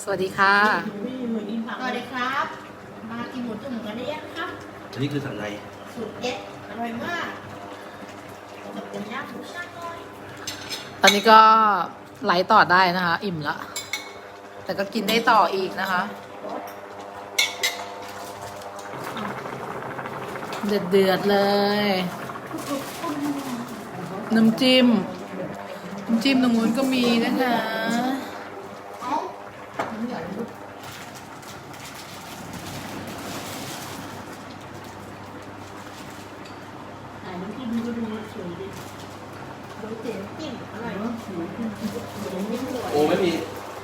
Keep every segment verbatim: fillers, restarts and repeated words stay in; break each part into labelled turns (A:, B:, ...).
A: สวัสดีค่ะ
B: สวัสดีครับมากินหมูจุ่มกันได้ยังครับ
C: อันนี้คือสันใน
B: สูตรเด็ดอร่อยมากจะเป็นย่างหมูช่างน้อย
A: ตอนนี้ก็ไหลต่อได้นะคะ อิ่มละแต่ก็กินได้ต่ออีกนะคะ เดือดเดือดเลย น้ำจิ้ม น้ำจิ้มตรงนู้นก็มีนะคะ
C: โอ้ไม่มี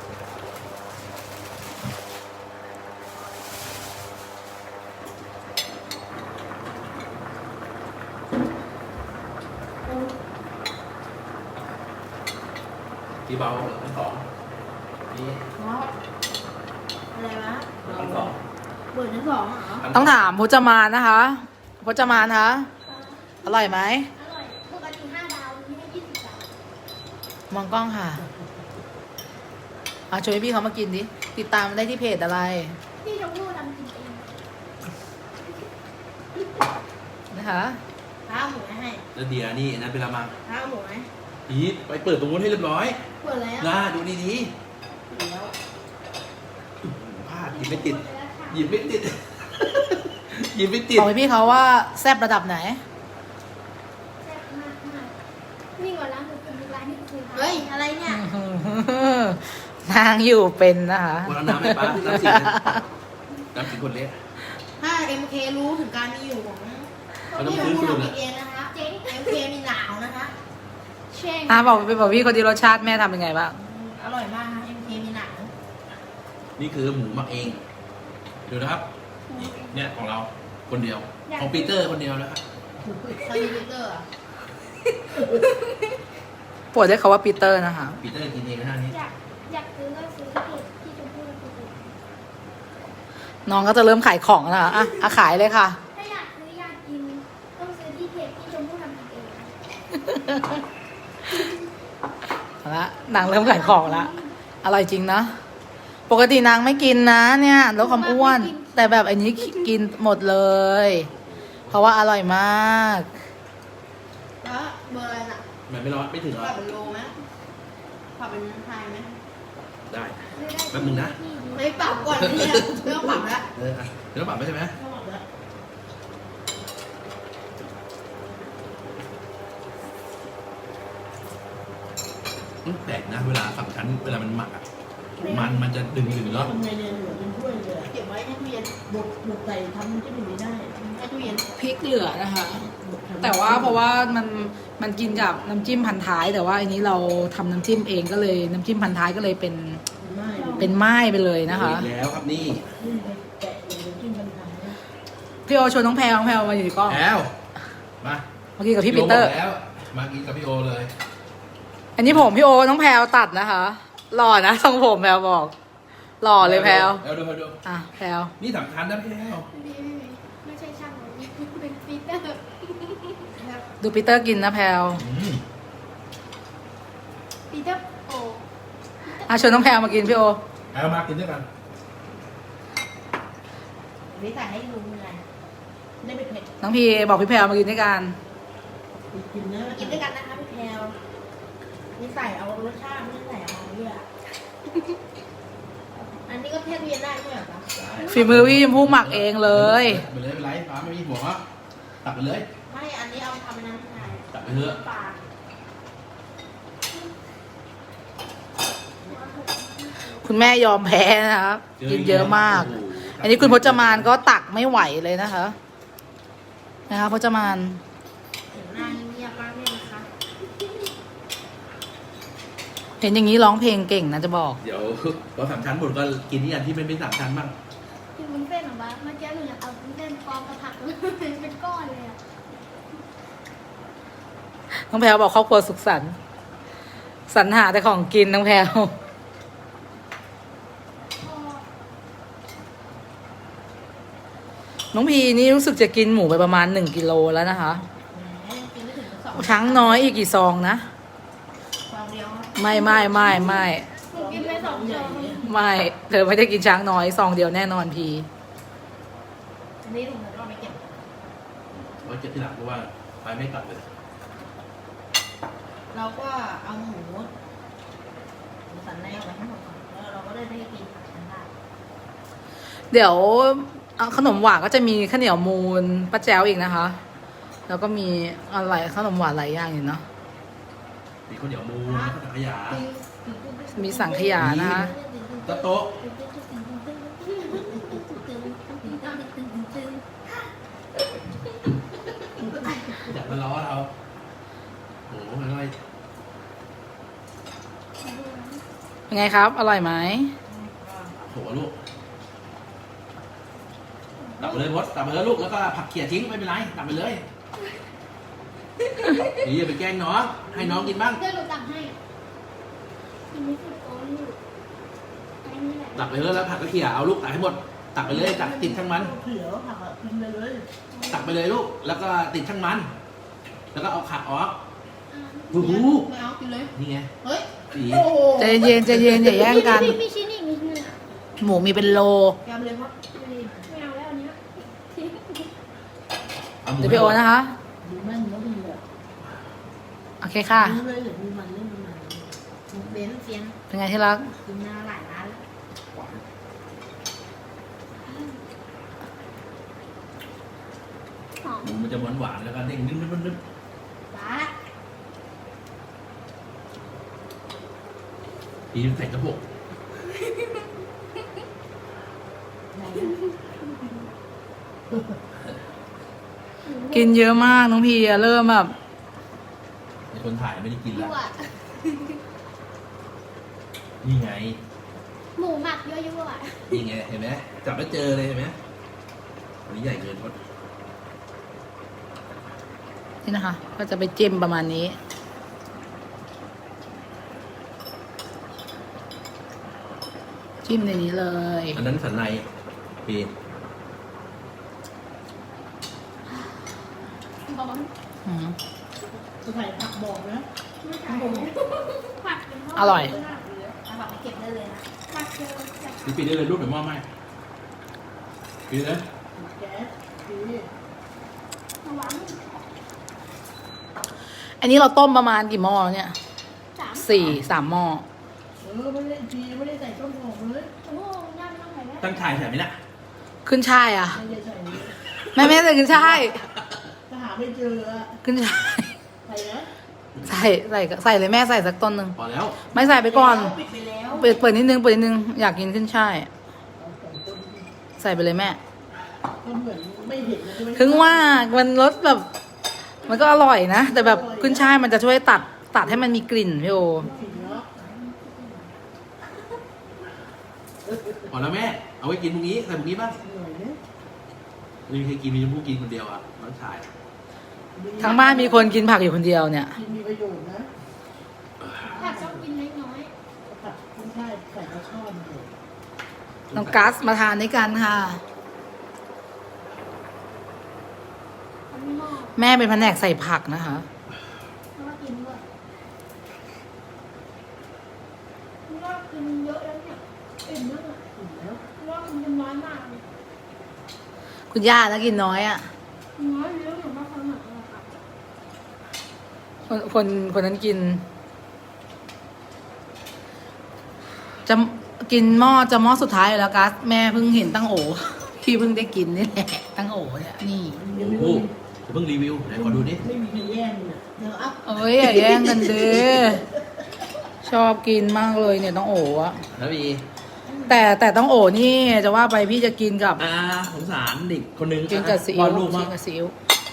C: กี่เบาทั้งสองนี่
B: อะไรวะ
C: ทั้งสอง
B: เปิดทั้งสองเหรอ
A: ต้องถามพจมานนะคะพจมานคะ อร่อยไหม
D: อร่อยปกติห้าดาวนี่ให้ยี่สิบดาว
A: มองกล้องค่ะอ่ะช่วยพี่เขามากินดิ ติดตามได้ที่เพจอะไร
D: พี่ชมพู่ทำกินเอง
A: นะคะ
B: ข้าวหมูให้
C: แล้วเดียนี่นะเป็นละมัง
B: ข้าวหมูไหม
C: อีทไปเปิดตรงนู้นให้เรียบร้อย
B: เปิดแล้ว
C: น่าดูดี
B: แล้ว
C: ๆพลาดหยิบไม่ติดหยิบไม่ติด หยิบไม่ติด
A: บอกให้พี่เขาว่าแซบระดับไหน
D: แซ่บมากมากนี่ก่อนร้านหมูจุ่มอีกร้านหนึงคือ
B: เฮ้ยอะไรเนี่ย
A: นางอยู่เป็นนะคะ
C: วันน้ำไม่ป้าน้ำสีน้ำสีคนเล็ก
B: ถ้า เอ็ม เค รู้ถึงการมีอยู่ของ
C: เขาต้องซื้อสูตร
B: ทำ
C: นะ
B: เองนะคะ
D: เจ๊ง
B: เอ็ม เค มีหนาวนะคะ
D: เช่ง
A: อ่ะบอกไปบอกพี่คนดีรสชาติแม่ทำเป็นไงบ้าง
B: อร่อยมากค่ะ เอ็ม เค มีหนาว
C: นี่คือหมูหมักเองดูนะครับเนี่ยของเราคนเดียวของปีเตอร์คนเดียวนะครับ
B: คาลิมิเตอร์อะ
A: ปวดได้เขาว่าปีเตอร์นะคะ
C: ปีเตอร์กินเองนะฮะนี่
D: อยากอยากซื้อก็ซื้อที่เพจพี่ชมพู่ทำกินเอง
A: น้องก็จะเริ่มขายของแล้วนะคะอ่ะอ่ะขายเลยค่ะ
D: ถ้าอยากซื้ออยากกินต้องซื้อที่เพจพี่ชมพู่ทำกินเอง
A: เอาละนางเริ่มขายของละอร่อยจริงนะ ปกตินางไม่กินนะเนี่ยลดความอ้วน แต่แบบอันนี้กินหมดเลย เพราะว่าอร่อยมาก
B: แล้วเบอร์อะไรน่ะ
C: มันไม่ร้อนไม่ถึง
B: ป
C: ร้อ
B: รับ
C: น
B: เป็นโลไหมปรับเป็นไทยไหม
C: ได้
D: ซื้อได้
C: แป๊บนึงนะ
D: ที่ดี
B: ไม่ปรับก่อนเนี่ยไม่ต้องปรับแล้ว
C: เอออ่ะเดี๋ยวต้องปรับไหมใช่ไหม
B: ไม่ต้องปรับแล้ว
C: อืมแปลกนะเวลาสามชั้นเวลามันหมักอ่ะมันมันจะดึงดึงๆเนาะ
E: ทำไงเนี่ยเหลือเป็นถ้วยเลยอะ
B: เก็บไว้ในตู้เย็น
E: บดบดใส่ทำมันจะไม่ได้
B: ในตู้เย็น
A: พริกเหลือนะคะ
E: บดทำ
A: แต่ว่าเพราะว่ามันมันกินกับน้ำจิ้มพันท้าย แต่ว่าอันนี้เราทำน้ำจิ้มเองก็เลยน้ำจิ้มพันท้ายก็เลยเป็น
E: ไม่
A: เป็นไม้ไปเลยนะคะ
C: อีกแล้วครับนี่
E: นี่ไปแกะเลยน้ำจิ้มมันทำนะ
A: พี่โอชวนน้องแพรน้องแพรมาอยู่ในกล้อง
C: แล้วมา
A: เมื่อกี้กับพี่ปีเตอร์
C: โบกแล้วมากินกับพี่โอเลย
A: อันนี้ผมพี่โอน้องแพรตัดนะคะหล่อนะทรงผมแพรบอกหล่อเลยแพร
C: แล้วดูดู
A: อ่ะแพร
C: นี่สำคัญนะพี่แล้ว
D: ไม่ไม่ไม่ไม่ใช่ช่างหรอกเป็นปีเตอร์
A: ดูปีเตอร์กินนะแพร
C: อืม
D: ปีเตอร์โอ
A: อ่ะชวนน้องแพรมากินพี่โอ
C: เอามากินด้วยกัน
B: วิสัยให้ดูไงได้เป็นเผ็ด
A: น้องพีบอกพี่แพรมากินด้วยกัน
E: ไปกินนะ
B: มากินด้วยกันนะคะพี่แพลววิสัยเอารสชาติไม่ใส่เอาเยอะอันนี้ก็เทศเวียนได้ใช่ไหมคะ
C: ได้
A: ฝีมือพี่ชมพู่หมักเองเลย
C: ไปเลยไปไลฟ์ฟ้าไม่มีหัวตักไปเลย
B: ไม่อันนี้เอาไปทำเป็นน้ำชาย
C: ตักไปเถอะ
B: ปลา
A: คุณแม่ยอมแพ้นะครับกินเยอะมาก
C: โโห
A: อันนี้คุณพจมานก็ตักไม่ไหวเลยนะคะนะคะพจมาน
B: เห็นหน้าเงียบมากเลยนะคะ
A: เห็นอย่างนี้ร้องเพลงเก่งนะจะบอก
C: เดี๋ยวพอสามชั้นหมดก็กินที่อันที่ไม่เป็นสามชั้นบ้าง
D: กินวุ้นเส้นเหรอบ้าเมื่อกี้หนูอยากเอาวุ้นเส้นปลอมกับผักเป็นก้อนเลยอ่ะ
A: น้องแพรบอกครอบครัวสุขสันต์สรรหาแต่ของกินน้องแพร
D: พอ
A: น้องพีนี่รู้สึกจะกินหมูไปประมาณหนึ่งกิโลแล้วนะคะ
B: แหมกินไม่ถึงสอง
A: ช้างน้อยอีกกี่ซองนะ
B: ฟองเดียวครับ
A: ไม่ไม่ไม่ไม่
D: หนูกินไปสอง
E: ใหญ่เนี่ย
A: ไม่เธอไม่ได้กินช้างน้อยซองเดียวแน่นอนพี
B: อันนี้ลุงก็ไม่เก็บ
C: ไว้เก็บที่หลังเพราะว่าไปไม่กลับเลย
B: เราก็เอาหมูหมูสันในเอาไว้ให้หมดก่อนแล้วเราก็ได้ได้กินกันได้
A: เดี๋ยวเอาขนมหวานก็จะมีข้าวเหนียวมูนป้าแจ๋วอีกนะคะ แล้วก็มีอะไรขนมหวานหลายอย่างอยู่เนาะ
C: มีข้าวเหนียวมูนแล้วก็ถังขยะ
A: มีสังขยานะคะ
C: ตะโต๊ะอยากมาล้อเราโอ้โหมันอะไร
A: เป็นไงครับ อร่อยไหม
C: โถลูกตักไปเลยมดตักไปเลยลูกแล้วก็ผักเขี่ยทิ้งไม่เป็นไรตักไปเลยนี่อย่าไปแกล้งน้องให้น้องกินบ้าง
D: เดี๋ยวหนูตักให้อันนี้คือโอ้ยอันนี้แหละ
C: ตักไปเลยแล้วผักก็เขี่ยเอาลูกตักให้หมดตักไปเลยตักติดทั้งมัน
E: เขียวผักอะกินไปเลย
C: ตักไปเลยลูกแล้วก็ติดทั้งมัน แล้วก็เอาขักออก
D: อ่า
C: โอ้โห
B: ไม่เอากินเลย
C: นี่ไง
B: เฮ้ย
C: สี
B: โอ้โห
A: ใจเย็นใจเย็นอย่าแย่งกัน
D: มีมีชิ้นอีกมีชิ้นหนึงอะ
A: หมูมีเป็นโล
B: แกมเลยครับ
D: ไม่เอาแล้วอันเนี้ยทิ้ง
C: อาหมู
A: เดี๋ยวไปโอนนะคะ
E: ดูแม่นแล้วดีอ่ะ
A: โอเคค่ะ
E: ดูเลยเดี๋ยวมีมันเล่นมันมัน
B: หมูเบนเซียน
A: เป็นไงที่รัก
B: กินมาหลายร้านแล้ว
D: หอม
C: หมูมันจะหวานหวานๆแล้วก็เด้งนึบนึบนึบ
D: บ้า
C: ปีนใส่กระปุก
A: กินเยอะมากน้องพีอะเริ่มแบบ
C: ในคนถ่ายไม่ได้กิน
D: ยั่
C: แล้ว
D: ว
C: นี่ไง
D: หมูหมักยั่วยั่ว
C: นี่ไงเห็นไหมจับแล้วเจอเลยเห็นไหมอันนี้ใหญ่เกินพด
A: นี่นะคะ ก็จะไปจิ้มประมาณนี้ จิ้มในนี้เลย
C: อันนั้นสันในปีน
D: ร้อน
A: อืม
E: จะใส่ผักบอกนะ
D: ไม่ใช่ผัดเป็นทด
A: อร่อย
B: เอาแบบไปเก็บได้เลยนะ
D: ผัดเจอจาก
C: พี่ปีนได้เลยลูกเดี๋ยวมอบให้ปีนเลย
E: แก๊สดี
D: หวาน
A: อันนี้เราต้มประมาณกี่หม้อแล้วเนี่ย
D: สาม
A: สี่สามหม้อ
E: เออไม่ได้ทีไม่ได้ใส่ต้นหอมเลย
D: โอ้โหย่าไม่ต้องใส่แล้ว
C: ตั้งถ่ายแถบนี้แหละ
A: ขึ้นช่ายอ่ะ
E: ไม่ได้ใส่เลย
A: แม่แม่ใส่ขึ้นช่าย
E: ถ้าหาไม่เจออะ
A: ขึ้นช่าย
E: ใส่นะ
A: ใส่ใส่ใส่เลยแม่ใส่สักต้นหนึ่ง
C: พอแล้ว
A: ไม่ใส่ไปก่อน
B: ปิดไปแล้ว
A: เปิดเปิดนิดนึงเปิดนิดนึงอยากกินขึ้นช่าย
E: เอาใส่ต้น
A: ใส่ไปเลยแม่
E: ก็เหมือนไม่เห็นนะใช่ไหม
A: ถึงว่ามันรสแบบ มันก็อร่อยนะ แต่แบบขึ้นช่ายมันจะช่วยตัดตัดให้มันมีกลิ่นพี่โอ
E: ผิดเนาะ
C: พอแล้วแม่ เอาไว้กินพรุ่งนี้ใส่พรุ่งนี้บ้าง
E: อร่อยเนี่ย
C: ไม่มีใครกินมีชมพู่กินคนเดียวอ่ะน้องชาย
A: ทั้งบ้านมีคนกินผักอยู่คนเดียวเนี่ย
E: กินมีประโยชน์นะ
D: ผัดต้องกินเล็กน้อย
E: ผัดไม่ใช่ใส่กระชอนเลย
A: น้องกัสมาทานด้วยกันค่ะ
D: อันนี้หม้อ
A: แม่เป็นแผนกใส่ผักนะคะ
D: แล้วก็กินด้วยนี่ก็กินเยอะแล้วเนี่ยอิ่มแล้วเนี่ย
E: อิ่มแล้ว
D: เพราะว่ามันกินน้อยมากเลย
A: คุณย่านะกินน้อยอ่ะ
D: น้อยเยอะหรือมากขนาดนั้นค่ะ
A: คนคนคนนั้นกิน จะกินหม้อจะหม้อสุดท้ายอยู่แล้วกัสแม่เพิ่งเห็นตั้งโอ พี่เพิ่งได้กินนี่แหละตั้งโอเนี่ยนี่
C: โอ้โหจะเพิ่งรีวิวไหนขอดูดิ
E: ไม่มีใครแย่งเลย
B: เดี๋ยวอัพ
A: เอ้ยอย่าแย่งกันเด้ชอบกินมากเลยเนี่ยต้องโออะ
C: แล้วมี
A: แต่แต่ต้องโอนี่จะว่าไปพี่จะกินกับ
C: อ่าสงสารเด็กคนหนึง
A: กินกับซี
C: ว
A: อิ๊
C: อ
A: ว
C: ดรูป
A: กิ
C: มาก
A: นกับซีอิ๊ว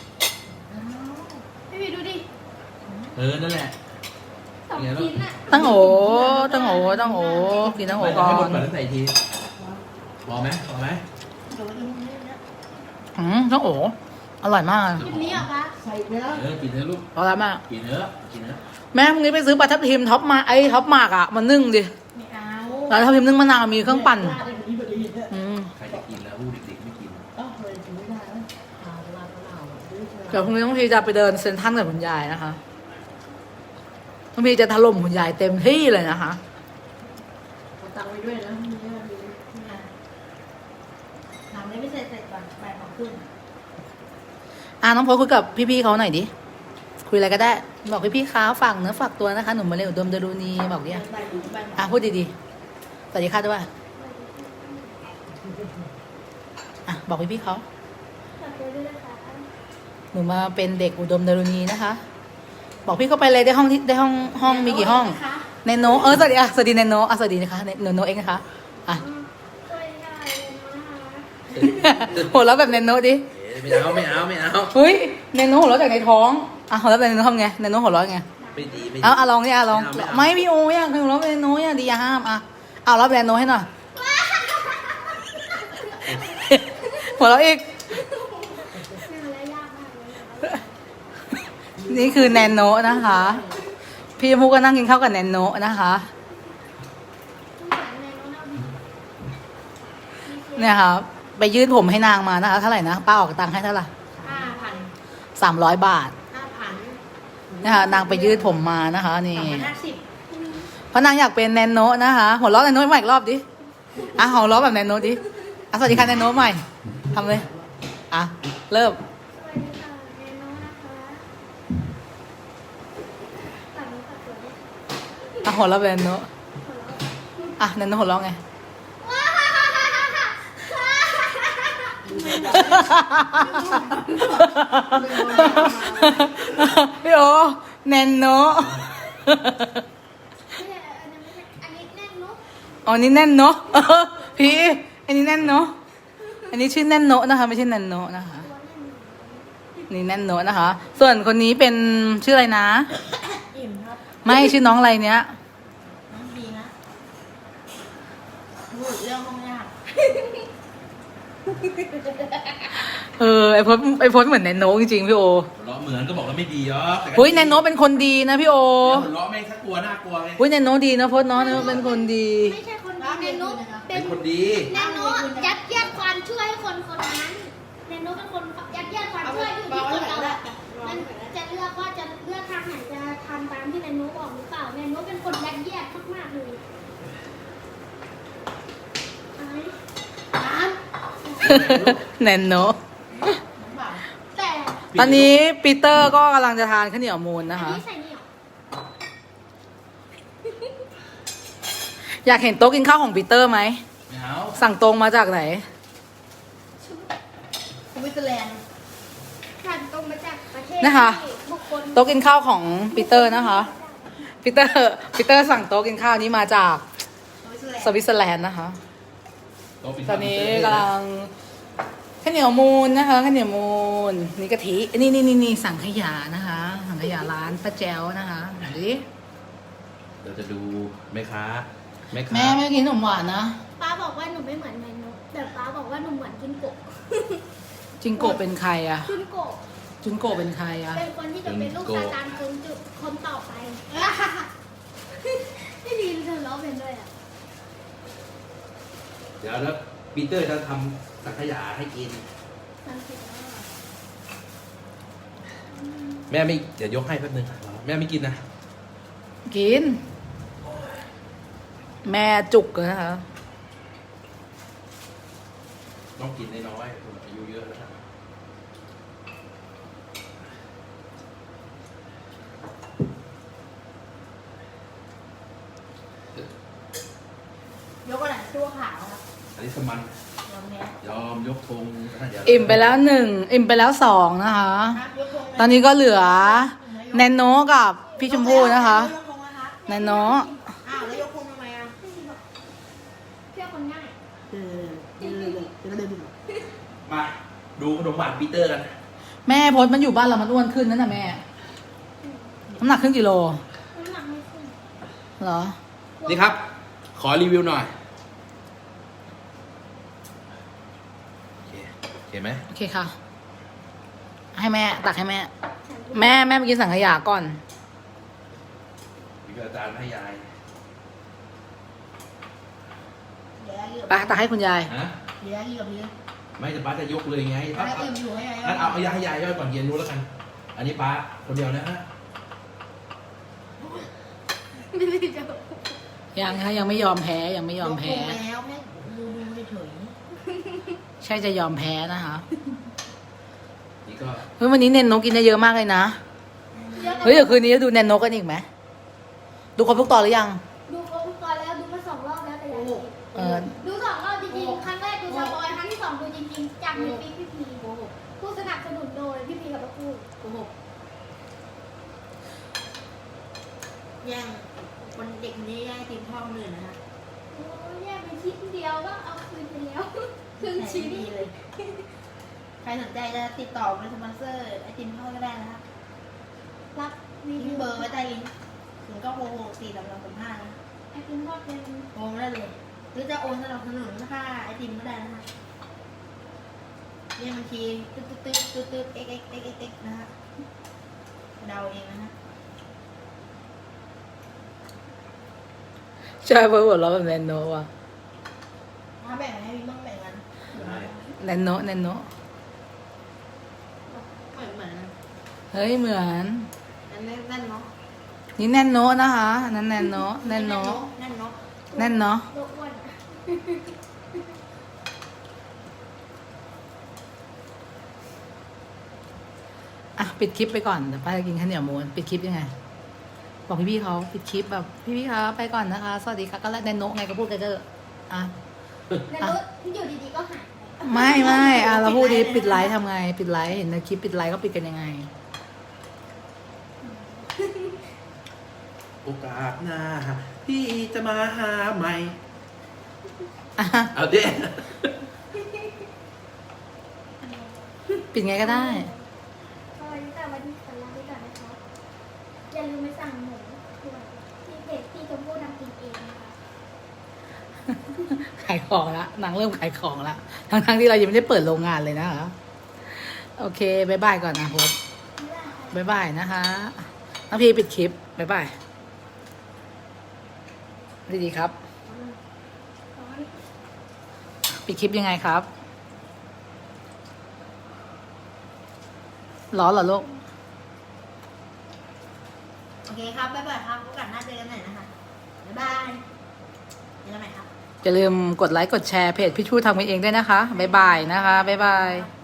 D: พี่วีดูดิ
C: เออ นั่นแหละ
D: สองชิ้นอะ
A: ตั้งโอตั้งโอตั้งโอกินตั้งโอก่อ
C: ให้หมด
A: น
C: ก่อนแล้วใส่อีกทีพอไหมพอไหม
B: เดี๋ยวดูนี่นะ
A: อืมตั้งโออร่อยมาก
D: ชิ้นนี้เหรอคะ
E: ใส่ไปแล้ว
C: เออ กินเถอะลูก
A: อร่อยมาก
C: กินเถอะกินเถอะ
A: แม่พรุ่งนี้ไปซื้อปลาทับทิมท็อปมาไอ้ท็อปมากอ่ะมานึ่งดิ
B: ไม่เอา
A: ปลาทับทิมนึ่งมะนาวมีเครื่องปั่น
E: ได้แบบนี้พอดีเนี่ย
A: อืม
C: ใครจะกินแล้วผู้เด็กๆไม่กิน
E: เอ้าเลยถึงไม่ได้แล้วหาเวลาเปล่าด้วย
A: เดี๋ยวพรุ่งนี้ต้องพีจะไปเดินเซ็นทรัลกับคุณยายนะคะต้องพีจะถล่มคุณยายเต็มที่เลยนะคะ
E: เอาตังค์ไว้ด้วยนะนี่ก็ดี
B: เนี่ยทำได้ไม่เสร็จเสร็จก่อนบ่ายสองครึ่ง
A: อ่ะน้องโพสคุยกับพี่ๆเขาหน่อยดิ คุยอะไรก็ได้ บอกพี่ๆเขาฝากเนื้อฝากตัวนะคะ หนูมาเร็วดมดารุณีบอกดิอ่ะ
B: บ่ายถึงบ่ายสอง
A: อ่ะพูดดีๆ สวัสดีค่ะด้วยอ่ะบอกพี่ๆเขา
D: ขอบคุณด้วยนะคะ
A: หนูมาเป็นเด็กอุดมดารุณีนะคะ บอกพี่เข้าไปเลยได้ห้องที่ได้ห้องห้องมีกี่ห้อง
B: นะคะ
A: เนโนเออสวัสดีอ่ะสวัสดีเนโนอ่ะสวัสดีนะคะเนเนโนเองนะคะอ่ะ
D: สวัสดีค่ะเนโน่นะคะ
A: หัวเราะแบบเนโนดิ
C: เอ๊ะไม่เอาไม่เอาไม่เอา
A: เฮ้ยเนโนหัวเราะจากในท้องอ่ะหัวเราะแบบเนโนทำไงเนโนหัวเราะไง
C: ไม่ดีไม่ดี
A: เอาอ่ะลองดิอ่ะลอง
C: ไม่เอา
A: ไม่
C: ไม่เอา
A: พี่โอ้ยอ่ะหัวเราะแบบเนโนอ่ะดีอย่าห้ามอ่ะเอารับแบบเนโนให้หน่อยหัวเราะอีก
D: เป็นอะไรยากมากเลยนะคะ
A: นี่คือแนนโนนะคะ พี่ชมพู่ก็นั่งกินข้าวกับแนนโนนะคะ
D: ต้องเหมือนในโน้ตเอาดี
A: เนี่ยค่ะไปยืดผมให้นางมานะคะเท่าไหร่นะป้าออกตังค์ให้เท่าไหร่
B: ห้าพัน
A: สามร้อยบาท
B: ห้าพัน
A: นะคะนางไปยืดผมมานะคะนี่
B: สองพันห้าสิบ
A: เพราะนางอยากเป็นแนนโนนะคะหัวเราะแนนโนใหม่อีกรอบดิอ่ะหัวเราะแบบแนนโนดิอ่ะสวัสดีค่ะแนนโนใหม่ทำเลยอ่ะเริ่ม
D: สวัสดีค่ะเนโน่นะคะฝากเนื้อฝากตัวด้วยค่ะ
A: อ่ะหัวเราะแบบแนนโน
D: ขอร้อง
A: อ่ะแนนโนหัวเราะไง พี่โอแนนโน
D: ไม่ใช่อันนี้ไม่ใช่อันนี้แน่นเนอะ
A: อ๋อนี่แน่นโนเออพี่อันนี้แน่นโนอันนี้ชื่อแน่นโนนะคะไม่ใช่แนนโนนะคะ
D: ตัวแน่น
A: นี่แน่นโนนะคะ ส่วนคนนี้เป็นชื่ออะไรนะ
B: อิ่มครับ
A: ไม่ชื่อน้องอะไรเนี้ย
B: น้องดีนะพูดเรื่องห้องยาก
A: เออไอพจน์ไอพจน์เหมือนแนนโนจริงๆพี่โอ
C: หัวเราะเหมือนก็บอกแล้วไม่ดีเหรอแต่ก็
A: อุ้ยแนนโนเป็นคนดีนะพี่โอ
C: หัวเราะไม่สักกลัวน่ากลัวไง
A: อุ้ยแนนโนดีนะพจน์เนาะแนนโนเป็นคนดี
D: ไม่ใช่คนดีเนโน่เป็
C: เป็น นคนดี
D: เนโน่ยัดเยียดความช่วยให้คนคนนั้นเนโน่เป็นคนยัดเยียดความช่วยอยู่ที่คนเราอะมันจะเลือกว่าจะเลือกทางไหนจะทำตามที่เนโน่บอกหรือเปล่าเนโน่เป็นคนยัดเยียดมากๆเลยไอ้น้ำ
A: แนนโน
B: น้องบ่าว
D: แต่
A: ตอนนี้ปีเตอร์ก็กำลังจะทานข้าวเหนียวมูน
D: อั
A: นะ
D: น
A: คะ
D: นี้ใส่นี่เหรอ
A: อยากเห็นโต๊ะกินข้าวของปีเตอร์ไหม
C: ไม่เอา
A: สั่งตรงมาจากไหน
B: สวิตเซอร์แลนด์
D: ผ่านตรงมาจากประเทศ
A: นะคะ
D: ที่บุคคล
A: โต๊ะกินข้าวของปีเตอร์นะคะปีเตอร์ปีเตอร์สั่งโต๊ะกินข้าวนี้มาจาก
B: สวิตเซอร์แลนด์
A: สวิตเซอร์แลนด์นะคะ
C: โต๊ะปิด
A: ตอนนี้กำลังข้าวเหนียวมูนนะคะข้าวเหนียวมูนนี่กะทินี่นี่นี่นี่สั่งขยะนะคะสั่งขยะร้านป้าแจ๋วนะคะดูดิ
C: เดี๋ยวจะดูแม่ค้าแม่ค้า
A: แม่ไม่กินขนมหวานนะ
D: ป้าบอกว่าหนูไม่เหมือนเนโน่แต่ป้าบอกว่าหนูเหมือนจินโกะ
A: จิงโกะเป็นใครอะ
D: จินโกะ
A: จิงโกะเป็นใครอะ
D: เป็นคนที่จะเป็นลูกซาตานคนจุดคนต่อไปไม่ดีเธอร้องเป็นด้วยอ่ะ
C: เดี๋ยวแล้วปีเตอร์จะทำสังขยาให้กิน
D: มันผิดแล้วอะ
C: แม่ไม่เดี๋ยวยกให้แป๊บนึงแม่ไม่กินนะ
A: กิน แม่จุกเลยนะคะ
C: ต้องกินน้อยๆคนอายุเยอะแล้ว
B: ยกอะไรตัวขาวครับ
C: อันนี้สมัน
B: ยอมแพ้
C: ยอมยกธงนะเดี๋ยว
A: อิ่มไปแล้วหนึ่งอิ่มไปแล้วสองนะคะ
B: ครับยกธงไหม
A: ตอนนี้ก็เหลือแนนโนกับพี่ชมพู่นะคะ
B: ยกธงนะครับ
A: แนนโน
B: อ้าวแล้วยกธงทำไมอ่ะ
D: เพื่อคนง่าย
E: เออเออเออเออ
C: มาดูขนมหวานปีเตอร์กัน
A: แม่พดมันอยู่บ้านเรามันอ้วนขึ้นนั่นน่ะแม่น้ำหนักครึ่งกิโล
D: น้ำหนักไม่ขึ้น
A: เหรอ
C: นี่ครับ ขอรีวิวหน่อยโอเคโอเคไหม
A: โอเคค่ะ ให้แม่ตักให้แม่ แม่แม่ไปกินสังขยาก่อน
C: วิวอาจารย์ให้ยาย
B: เดี๋ยวอยู่
A: ไปตักให้คุณยาย
C: ฮะ
B: เดี๋ยวอยู่กับพี่
C: ไม่จะป้าจะยกเลยไง
B: แล้
C: เอา
B: วอิ่มอยู่ให้ไง
C: งั้นเอาเอายาให้ยายย่อยก่อนเย็นรู้แล้วกัน อันนี้ป้าคนเดียวนะฮะ
D: ไม่ได้จะ
A: ยังคะยังไม่ยอมแพ้ยังไม่ยอมแพ้
B: ยกลงแล้วแม่ดูดูเฉย
A: ใช่จะยอมแพ้นะคะ
C: นี่ก็
A: เฮ้ยวันนี้เนนโนกินได้เยอะมากเลยนะ เฮ้ยเดี๋ยวคืนนี้จะดูเนนโนกันอีกไหมดูครบทุกตอนหรือยัง
D: ดูครบทุกตอนแล้วดูมาสองรอบแล้วแต่ยังไม่
A: เออ
D: ดูสองรอบจริงๆ ครั้งแรกดูสปอยครั้งที่สองดูจริงๆจากในปีพี่พี
B: ๆโกหก
D: ผู้สนับสนุนโดยพี่พีกับป้าพูด
B: โกหกแย่งคนเด็กคนนี้แย่งไอติมพ่อคนอื่นนะคะ
D: โอ้ยแยกเป็นชิ้นเดียวก็เอาคืนไปแล้ว ครึ่งชิ้น
B: ดีเลย ใครสนใจจะติดต่อเป็นสปอนเซอร์ไอติมพ่อก็ได้นะคะ
D: รับรี
B: ทิ้
D: วิ
B: ง
D: ว
B: เบอร์ไว้ใต้ลิงก์ถึงก็โทรสี่สามสองสามห้านะ
D: ไอติมทอดเป็น
B: โทรมาได้เลย หรือจะโอนสนับสนุนค่าไอติมก็ได้นะคะเรียกบัญชีตึ๊ดตึ๊ดตึ๊ดตึ๊ดตึ๊ด x x x x x นะคะเดาเองนะคะ
A: ใช่เพราะหัวเราะแบบเนนโนว่ะ
B: ถ้าแบ่งให้พี่บ้างแบ่งกัน
C: ได้
A: เนนโนเนนโน
B: เหมือนเหมือน
A: เฮ้ยเหมือน
B: นั่นแน่นเนาะ
A: นี่แนนโนนะคะอันนั่นแนนโนแนนโน
B: แน่นเนาะ
A: แน่นเนาะ
D: ตัวอ้วนอะ
A: อ่ะปิดคลิปไปก่อนเดี๋ยวป้าจะกินข้าวเหนียวมูนปิดคลิปยังไง บอกพี่ๆเขาปิดคลิปแบบพี่ๆคะไปก่อนนะคะ สวัสดีค่ะก็แล้วแนนโนไงก็พูดกันเถอะอ่ะ
D: ในรถอยู่ดีๆก็หายไป
A: ไม่ไม่อ่ะเราพูดดีปิดไลฟ์ทำไง ปิดไลฟ์เห็นในคลิปปิดไลฟ์ก็ปิดกันยังไง
C: โอกาสหน้า พี่จะมาหาใหม่
A: อ่ะ
C: เอาเด้
A: ปิดไงก็ได้
D: สวัสดีค่ะวันนี้ขอลาไปก่อนนะคะอย่าลืมไปสั่งหมูด้วยที่เพจที่ชมพู่ทำกินเองนะคะ
A: ขายของละนางเริ่มขายของละทั้งทั้งๆที่เรายังไม่ได้เปิดโรงงานเลยนะคะ โอเคบายบายก่อนนะโพสบายบายนะคะน้องพีปิดคลิปบายบายดีๆครับ ปิดคลิปยังไงครับร้อนเหรอลูก
B: โอเคครับ บ๊ายบายครับโอกาสหน้าเจอกันใหม่นะคะ บ๊ายบายเจอกันใหม่ครับ
A: อย่าลืมกดไลค์กดแชร์เพจพี่ชูทำกันเองด้วยนะคะบายบายนะคะบายบาย